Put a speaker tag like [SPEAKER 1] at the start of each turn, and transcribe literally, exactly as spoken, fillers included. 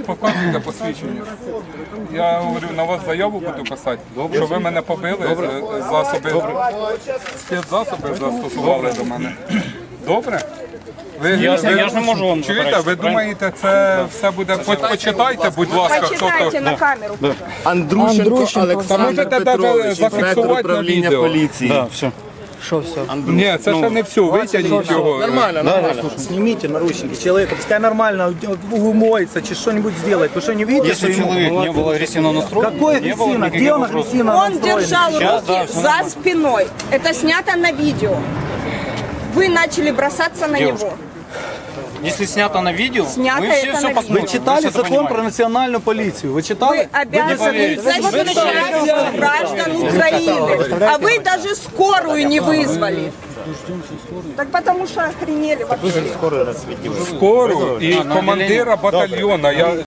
[SPEAKER 1] Показуйте посвідчення. Я говорю, на вас заяву буду писати, що ви мене побили, е, засоби, спецзасоби застосували до мене. Добре? Ви,
[SPEAKER 2] Я,
[SPEAKER 1] ви,
[SPEAKER 2] я ж не можу вам
[SPEAKER 1] чуєте,
[SPEAKER 2] заперечити,
[SPEAKER 1] ви думаєте, це все буде... По- Почитайте, будь ласка, хто
[SPEAKER 3] Почитайте
[SPEAKER 1] то...
[SPEAKER 3] на камеру.
[SPEAKER 4] Андрущенко,
[SPEAKER 3] Андрущенко,
[SPEAKER 4] Олександр
[SPEAKER 1] можете навіть
[SPEAKER 4] Петрович,
[SPEAKER 1] зафіксувати
[SPEAKER 4] інспектор
[SPEAKER 1] на
[SPEAKER 4] управління
[SPEAKER 1] відео.
[SPEAKER 4] поліції.
[SPEAKER 2] Да, все.
[SPEAKER 3] Что все?
[SPEAKER 1] Ні, це ще не все, витягніть його.
[SPEAKER 4] Нормально, нормально.
[SPEAKER 5] Снимите наручники человека, пускай нормально умоется, чи что-нибудь сделает. Вы что, не видите,
[SPEAKER 2] Если
[SPEAKER 5] что ему-
[SPEAKER 2] человек не был агрессивно настроен,
[SPEAKER 5] Какой
[SPEAKER 2] не было
[SPEAKER 5] агрессивно?
[SPEAKER 2] никаких
[SPEAKER 5] Где он
[SPEAKER 2] вопросов.
[SPEAKER 5] агрессивно
[SPEAKER 3] Он
[SPEAKER 5] настроен?
[SPEAKER 3] держал
[SPEAKER 2] Сейчас,
[SPEAKER 3] руки
[SPEAKER 2] да, всё
[SPEAKER 3] за
[SPEAKER 2] нормально.
[SPEAKER 3] спиной. Это снято на видео. Вы начали бросаться на
[SPEAKER 2] Девушка,
[SPEAKER 3] него.
[SPEAKER 2] Если снято на видео,
[SPEAKER 3] Снято
[SPEAKER 2] мы все
[SPEAKER 3] это
[SPEAKER 2] все
[SPEAKER 3] на
[SPEAKER 2] посмотрим.
[SPEAKER 5] Вы читали
[SPEAKER 2] Вы всё это
[SPEAKER 5] закон
[SPEAKER 2] понимаете.
[SPEAKER 5] про национальную полицию? Вы читали?
[SPEAKER 3] Вы обязаны
[SPEAKER 2] поверите.
[SPEAKER 3] защищать граждан Украины. А вы даже скорую не вызвали. Так потому что охренели вообще.
[SPEAKER 1] Скору і командира батальйона. Я